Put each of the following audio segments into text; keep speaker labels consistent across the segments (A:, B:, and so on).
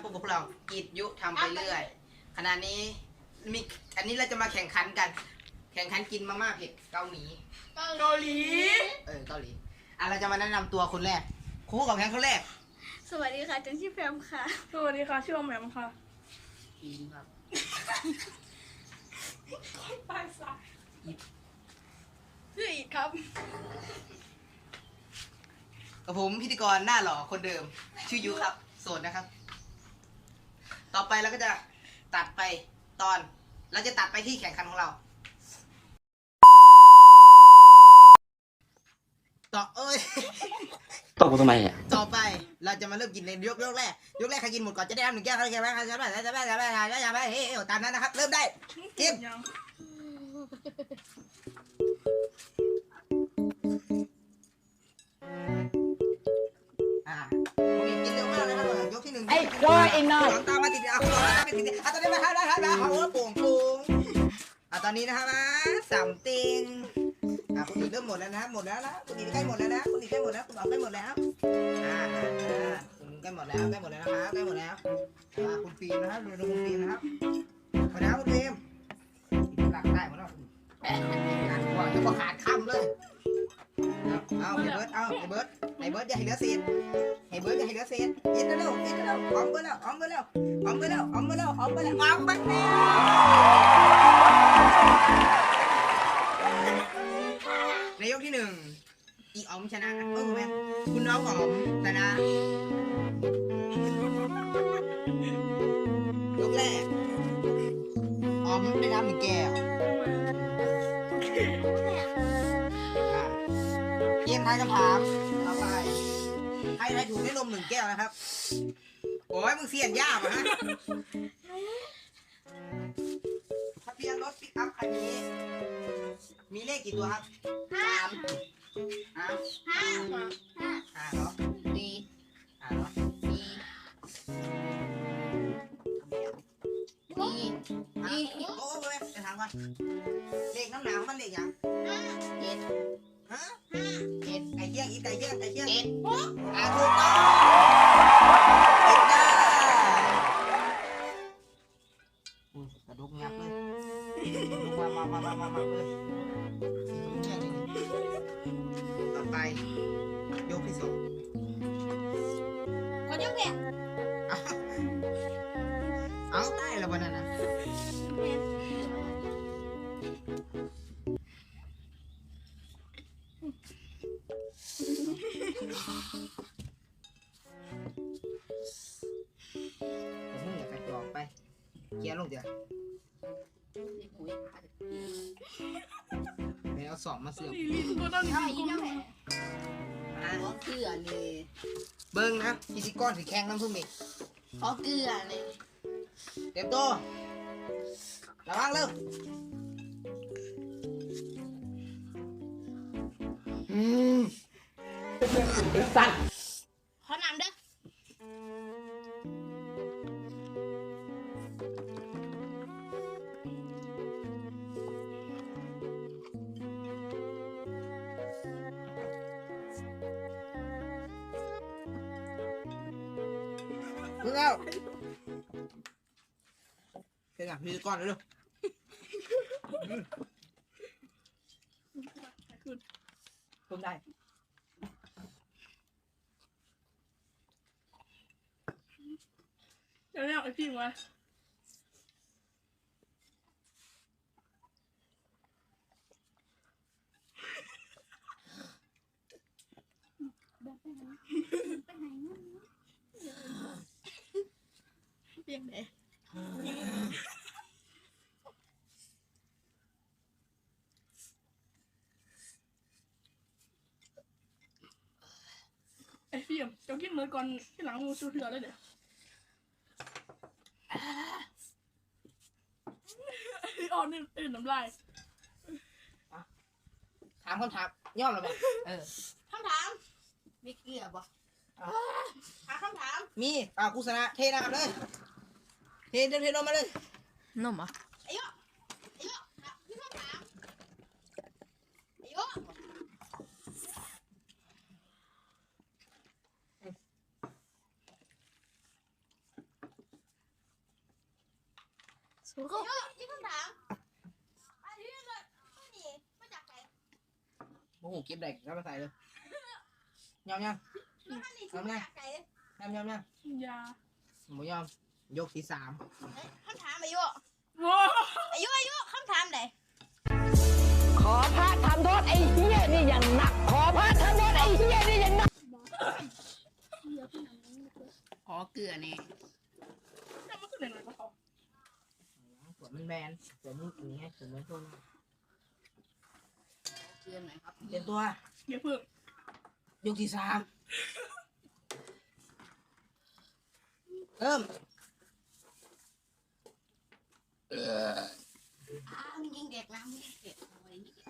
A: พวกเรากิจยุทำไปเรื่อยขณะนี้มีอันนี้เราจะมาแข่งขันกัน แข่งขันกินมาม่าเผ็ดเกาหลี
B: เกาหลี
A: เกาหลีเราจะมาแนะนำตัวคนแรกครูของแข่งคนแรก
B: สวัสดีค่ะจันชื่อแฟมค่ะ
C: สวัสดีค่ะชื่ออมแหมมค่ะ
A: อินครับ
C: ปลายสายชื่ออีกครับ
A: กับผมพิธีกรหน้าหล่อคนเดิมชื่อยุครับโสดนะครับ ต่อไปเราก็จะตัดไปตอนเราจะตัดไปที่แข่งขันของเรา
D: ตกกูทำไมอ่ะ
A: ต่อไปเราจะมาเริ่มกินในยกแรกใครกินหมดก่อนจะได้รับ1 แก้วใครกินไม่ใครจะไม่เฮ้ยตามนั้นนะครับเริ่มได้กินมึงกินเร็วมากเลยครับยกที่1ไอ้รอเองหน่อยตามมาติดคุณรอตามมาติดตอนนี้มาเขาโป่งตอนนี้นะครับ3 ติงคุณอีกเริ่มหมดแล้วนะคุณอีกใกล้หมดแล้วนะคุณอีกใกล้หมดแล้วคุณบอกใกล้หมดแล้วคุณใกล้หมดแล้วนะครับใกล้หมดแล้วคุณฟิล์มนะครับดูคุณฟิล์มนะครับหมดแล้วคุณฟิล์มหลักได้หมดแล้วหวังจะพอขาดคำเลยเอาไอ้เบิร์ดอย่าให้เหลือเศษกินเร็วออมไปแล้วในยกที่1อีออมชนะนะคุณน้องออมชนะยกแรกออมได้น้ำ1 แก้วเกมทายคำถามต่อไปใครถูกได้นม1 แก้วนะครับโอ้ยมึงเสียนยากเหรอฮะทะเบียนรถปิกอัพคันนี้มีเลขกี่ตัวครับ3 5เหรอดีเหรอดีโอ้ยจะถามก่อนเลขน้ำหนาวมันเลขยัง7 ไก่เยี่ยง7ถูกต้องกระดูกงับเลยมาเลยต่อไปยกที่2
B: ขอยกแกะ
A: เอาได้แล้ววันนั้นนะผมอยากกระจอกไปเกียร์ลงเดี๋ยวไม่เอา2มาเสื่อม
C: ตัวนั้นนี่กู
B: เกลือเลย
A: เบิ้งนะพิธีกรถือแข้งน้ำพึ่งอีก
B: ขอเกลือเลย
A: เต็มตัวระวังเร็วสั่น
B: ขอน้ำเด้อ
A: เพิ่งเอาเป็นไงพิธีกรเร็ว ผมได้
C: เดี๋ยวเรียกไอ้พี่มาเปียงไหนไอ้พี่เจ้ากินเมื่อก่อนที่หลังมูซูเถื่อเลยเดี๋ยวอ่อนนี่ตื่นน้ำลาย
A: ถามคำถามย่อมหรือเปล่า
B: คำถามมีเกลือบ่หาคำถาม
A: มีกุศลเทน้ำเลยเทนมมาเลย
C: นมอ่ะ
B: ไอ้ยะมีคำถามไอ้ยะ
A: เ
B: สู้เขาที่คำถามอันนี้เลยนี่มาจากไหน
A: โอ้โหเก็บได้ก็มาใส่เลยยอมยัง
B: อันนี้ซื้อมาจากไหน
A: ยอมยัง
C: ยา
A: หมูยอมยกที่ 3
B: คำถามอายุ
C: โอ้
B: อายุคำถามไหน
D: ขอพระทำโทษไอ้เหี้ยนี่อย่างหนัก ขอพระทำโทษไอ้เหี้ยนี่อย่างหนัก
E: ขอเกลือนี่
C: ยมันคือไหนๆก็เขา
A: ส่วนมันแบนส่วนมึงอย่างนี้ส่วนมันช่วง
E: เกลือหน่อยครับ
A: เตรียมตัว
C: อย่าเพิ่ง
A: ยกที่ 3เริ่ม
E: มึงยิงเด็กนะมึงยิงเด็กเอาไว้นี่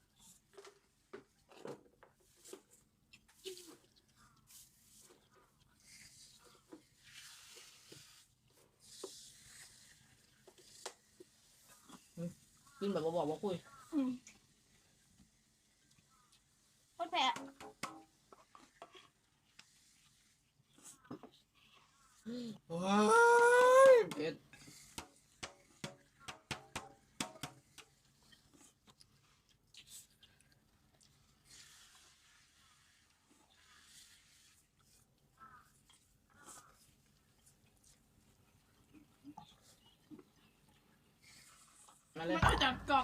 A: ขึ้นแบบบอกว่าคุย
B: คนแพ้
A: โอ้ยเผ็ดมาเล
C: มั
A: ย
C: นเอาจากกอก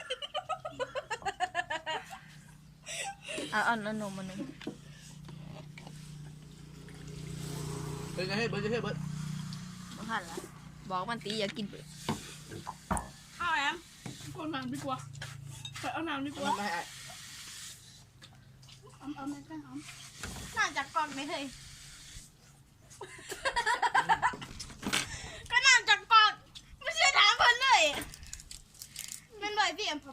F: เอานมมาหนึ่ง
A: เบิร์ดจะให้เบิร์ด
F: มาหันละบอกมันตีอย่ากินเบิด
C: เอาแอมกดน้ำดีกว่าไปเอาน้ำดีกว่า
A: ไม่ให้
C: เอาแม่แป้งหอม
B: น่าจากกองไม่เคยก็น่าจากกองไม่เชื่อถามเพิ่นเลยเป็นบ่อยพี่เอ็ม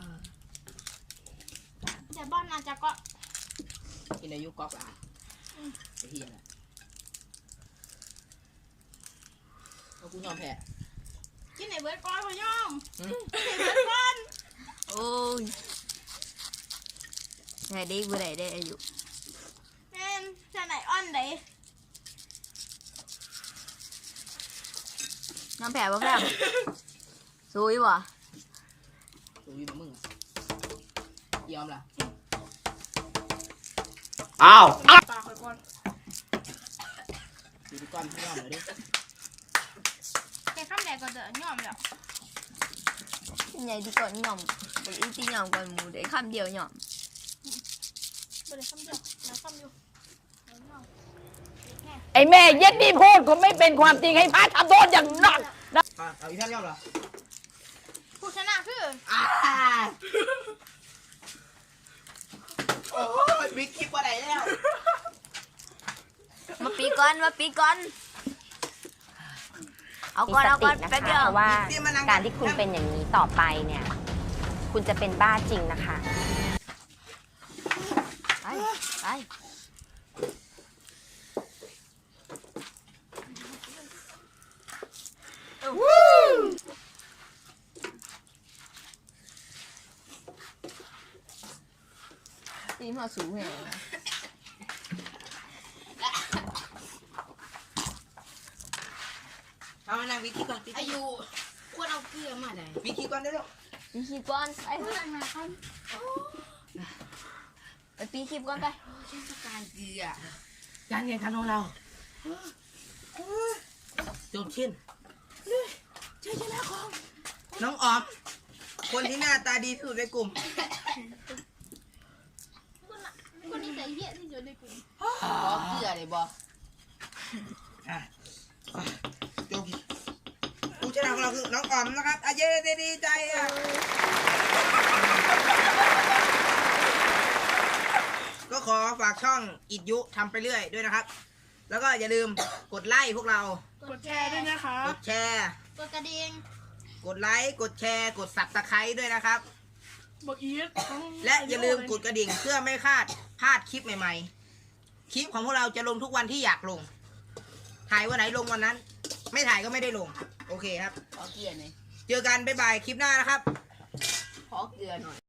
B: แต่บ้านน่าจากกอง
A: กินอายุก๊อกอ่ะไอ้เหี้ยน่ะเอากูยอมแพ้
B: กินไหนเบิร์ดก้อนพะย่อม
A: อืม
B: กินไหนเบิร์ดก้อน
F: โอ้ยไงได้บ่ได้ได้อายุ
B: แม่นจะไหนอ้อนไหน
F: น้ำแผลบ่แผลซุยว่ะ
A: ตัวอยู่กับมึงอ่ะยอมล่ะ
C: ปลาคอยก่อน
A: อยู่ที่ก้อนพี่ยอมเลยดิ
B: แกข้ามแดกก็เดินย่อมแล้ว
F: เป็นไงที่ก่อนหย่อมบอกอีตีหย่อมก่อนหมูได้คำเดียวหย่อม
B: บ่ได้ข้ามเดียวแล้วข้ามอยู่แล้วย่อม
D: ไอ้แม่เย็ดนี่พูดก็ไม่เป็นความจริงให้พระทำโทษอย่างหนัก
A: เอาอีกท่านยอมเหรอ
B: ผู้ชนะคือ
A: โอ้ยบิ๊กคลิปว่าไหนแล้ว
F: มาปีก่อนเอาก่อนแป๊บเดียว
G: เพราะว่า
A: นี่มานั่ง
G: การที่คุณเป็นอย่างนี้ต่อไปเนี่ย คุณจะเป็นบ้าจริงนะคะ
F: ไปตีมาสูงไง
A: เอามานั่งบิ๊กคลิปก่อนบิ๊ก
E: อายุควรเอาเกลือมาได้
A: คลิปก่อนได้แล้ว
F: ปีคลิปก่อนไปไปปีคลิปก่อนไป
E: เทศกาลเกลือ
A: การแข่งขันของเราจบชิ้นชัยชนะของน้องออม คนที่หน้าตาดีที่สุดในกลุ่ม
B: คนนี้ใจเหี้ยที่สุดในกลุ่ม
E: ขอเกลือเลยบ่
A: จบผู้ชนะของเราคือน้องออมนะครับอาเย้ดีใจอ่ะก็ขอฝากช่องอิดยุทำไปเรื่อยด้วยนะครับ แล้วก็อย่าลืมกดไลค์พวกเรา
C: กดแชร์ด้วยนะคะ
A: กดแชร์
B: กดกระดิ่ง
A: กดไลค์ กดแชร์ กดสับตะไคร้ด้วยนะครับ
C: บอกอีท
A: และอย่าลืมกดกระดิ่งเพื่อไม่พลาดคลิปใหม่ๆ คลิปของพวกเราจะลงทุกวันที่อยากลง ถ่ายวันไหนลงวันนั้น ไม่ถ่ายก็ไม่ได้ลง โอเคครับ
E: ขอเกลือหน่อย
A: เจอกันบ๊ายบายคลิปหน้านะครับ
E: ขอเกลือหน่อย